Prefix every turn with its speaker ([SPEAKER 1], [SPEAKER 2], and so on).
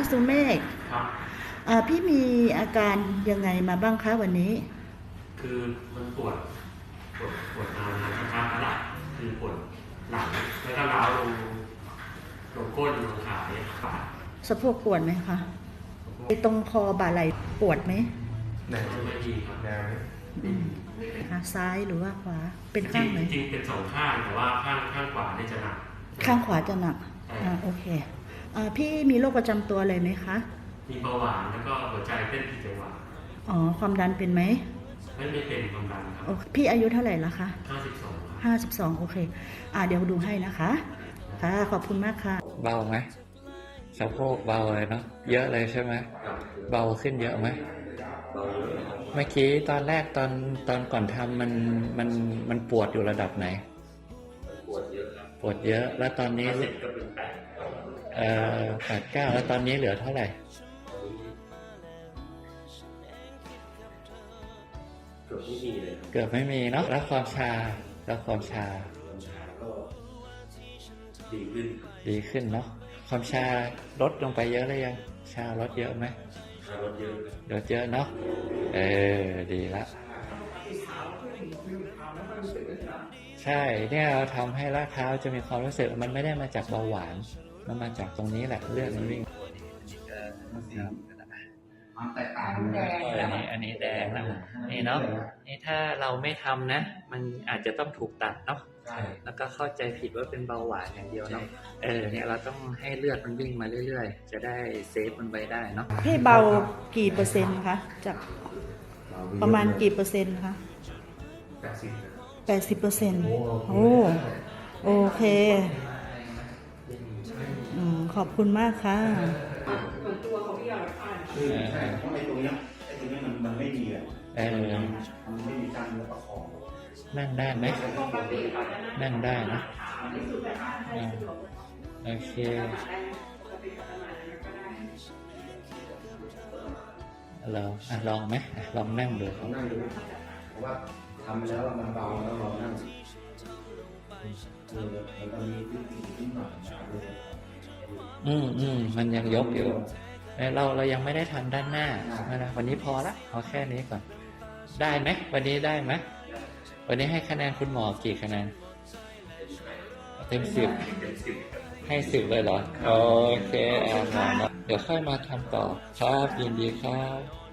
[SPEAKER 1] สุเมฆ
[SPEAKER 2] ครับ
[SPEAKER 1] พี่มีอาการยังไงมาบ้างคะวันนี้
[SPEAKER 2] คือมันปวดนานนะครับหลังคือปวดหลังแล้วก็ร้าวลงก้นลงขาเนี่ยขา
[SPEAKER 1] สะโพกปวดไหมคะไอ้ตรงคอบ่าไหล่ปวดไหม
[SPEAKER 2] แนวไม่ดีครับแนว
[SPEAKER 1] ขาซ้ายหรือว่าขวาเป็นข้างไหน
[SPEAKER 2] จริงเป็นสองข้างแต่ว่าข้างขวาเนี่ยจะหนัก
[SPEAKER 1] ข้างขวาจะหนักโอเคพี่มีโรคประจำตัวอะไรไหมคะ
[SPEAKER 2] มีเบาหวานแล้วก็หัวใจเต้นผิดจังหวะ
[SPEAKER 1] ความดันเป็นไหม
[SPEAKER 2] ไม่เป็นความดันครับ
[SPEAKER 1] พี่อายุเท่าไหร่ละคะ
[SPEAKER 2] 52
[SPEAKER 1] โอเคเดี๋ยวดูให้นะคะค่ะขอบคุณมากค่ะ
[SPEAKER 3] เบาไหมสะโพกเบาเลยเนาะเยอะเลยใช่ไหมเบาขึ้นเยอะไหมเมื่อกี้ตอนแรกตอนก่อนทำมันปวดอยู่ระดับไหน
[SPEAKER 2] ปวดเยอะ
[SPEAKER 3] ปวดเยอะแล้วตอนนี้
[SPEAKER 2] ก็เป็น
[SPEAKER 3] 8-9แล้วตอนนี้เหลือเท่าไหร่
[SPEAKER 2] เกือบไม่มีเลย
[SPEAKER 3] เกือบไม่มีเนาะแล้วความชาก็ดีขึ้นเนาะความชาลดลงไปเยอะเลยยังชาลดเยอะไหม
[SPEAKER 2] ลดเ
[SPEAKER 3] ยอะเนาะดีละใช่เนี่ยเราทำให้รากเท้าจะมีความรู้สึกมันไม่ได้มาจากเบาหวานมันมาจากตรงนี้แหละเลือดมันวิ่ง
[SPEAKER 4] มันแตกต่าง
[SPEAKER 3] อันนี้แดงแล้วนี่เนาะนี่ถ้าเราไม่ทำนะมันอาจจะต้องถูกตัดเนาะแล้วก็เข้าใจผิดว่าเป็นเบาหวานอย่างเดียวเนาะเนี่ยเราต้องให้เลือดมันวิ่งมาเรื่อยๆจะได้เซฟมันไว้ได้เนาะ
[SPEAKER 1] พี่เบากี่เปอร์เซ็นต์คะจากประมาณกี่เปอร์เซ็นต์คะ80%โอเคขอบคุณมากค่ะ
[SPEAKER 4] ตัวของพี่ใช่เพราะไอ้ตรงนี้มันไม่ดีอ่ะมันไม่มีการประคอง
[SPEAKER 3] นั่งได้ไหมนั่งได้นะโอเคลองไหมลองนั่งดู
[SPEAKER 4] เพราะว่าทำแล้วมันเบาแล้วเรานั่งมันก็มีนิดหน่อย
[SPEAKER 3] มันยังยกอยู่เรายังไม่ได้ทำด้านหน้านะวันนี้พอละเอาแค่นี้ก่อนได้ไหมวันนี้ได้ไหมวันนี้ให้คะแนนคุณหมอกี่คะแนนเต็ม 10ให้10เลยเหรอโอเคเดี๋ยวค่อยมาทำต่อครับยินดีครับ